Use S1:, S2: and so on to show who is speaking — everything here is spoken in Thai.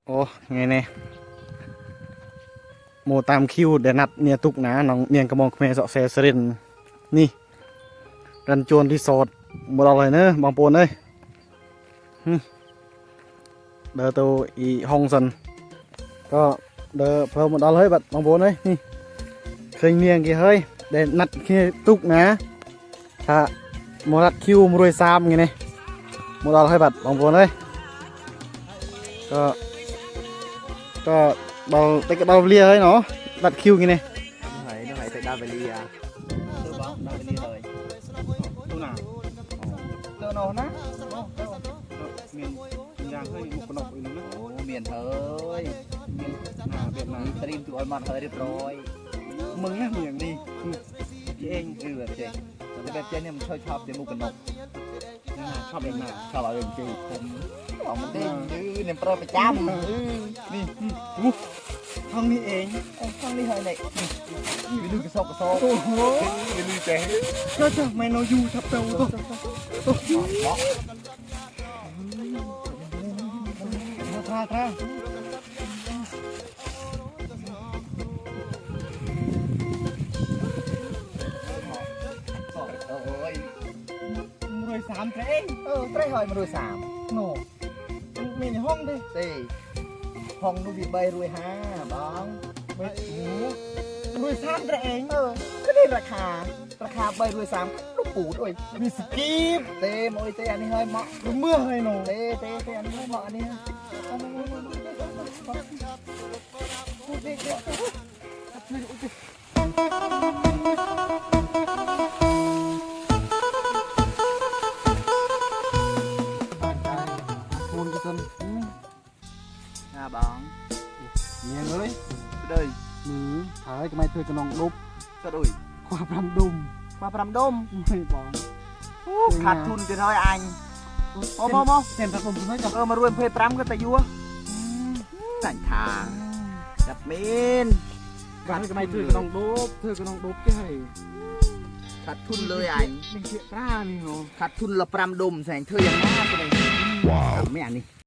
S1: โอ้ไงเนี่ยโมตามคิวเดี๋ยวนัดเนี่ยตุกนะน้องเนียงกระมองเมย์สอเซสรินนี่รันจวนที่สดหมดอะไรเนอะบางปูนเลยเดอตัวอีห้องสันก็เดอเพิ่มหมดอะไรบัดบางปูนเลยนี่เคยเนียงกี่เฮ้ยเดี๋ยวนัดเนี่ยตุกนะถ้าโมรัดคิวมรวยซ้ำไงเนี่ยหมดอะไรบัดบางปูนเลยก็เบาแต่ก็เบาเรียเลยเนาะบัดคิวไงเนี่ย
S2: nó phải tới đa về lia tôi bảo đa về lia rồi
S1: ตู้หนา
S2: tôi nó nát
S1: เมียนยางให้มุกกระนกอีกนะ
S2: ồ miền thôi
S1: หนาเบียดหนา
S2: stream tụi anh hơi đẹp rồi
S1: มึงเนี่ยมึงอย่างดี
S2: chị em ừแบบchịแต่แบบเจนเนี่ยมันชอบเจนมุกกันนก
S1: ชอบเบียดหนา
S2: ชอบอะไรจีผมบอกมันดิเนี่ยโปรประจำนี่
S1: ห้องนี้เอง
S2: ข้างนี้เฮ้ยเนี่ยไปดูกระสอบกระสอบ
S1: โอ้โห
S2: ไปดูเจ๊
S1: ก็จะไม่นอยู่ทับเตาตัวท่า
S2: โอ้ย
S1: รวยสามเตง
S2: เตะหอยมาดูสาม
S1: โน่มีในห้องดิ
S2: ตีห้องนูบีใบรวยห้าบ้อง
S1: ไม่โอ้รวยสามเตง
S2: ก็ได้ราคาใบรวยสามลูกปูดโอ้ย
S1: มีสกีบ
S2: เต้มโอ้ยเต้อันนี้เฮ้ยเหมาะ
S1: เมื่อให้หนู
S2: เต้อันนี้เฮ้ยเหมาะอันนี้พูดเด็ก
S1: คูณกี่ต้น
S2: บ้อง
S1: เนี่ยเลย
S2: เด้ย
S1: มือหายก็ไม่เธอกระนองลุบ
S2: ก็ดุย
S1: ความรำดุม
S2: มาพรำดม
S1: ไม่บอก
S2: ขาดทุนจะเท่าอันโม
S1: เส้นผสมคุณไม่จับ
S2: มารวยเพย์พรำก็แต่ยัวสั่งทางจับเมน
S1: การก็ไม่เธอกระนองลุบเธอกระนองลุบใช่
S2: ขาดทุนเลยอัน
S1: ลิงเสียกล้านี่เนาะ
S2: ขาดทุนละพรำดมแสงเธอยังน่าไปเลยว้าวไม่อันนี้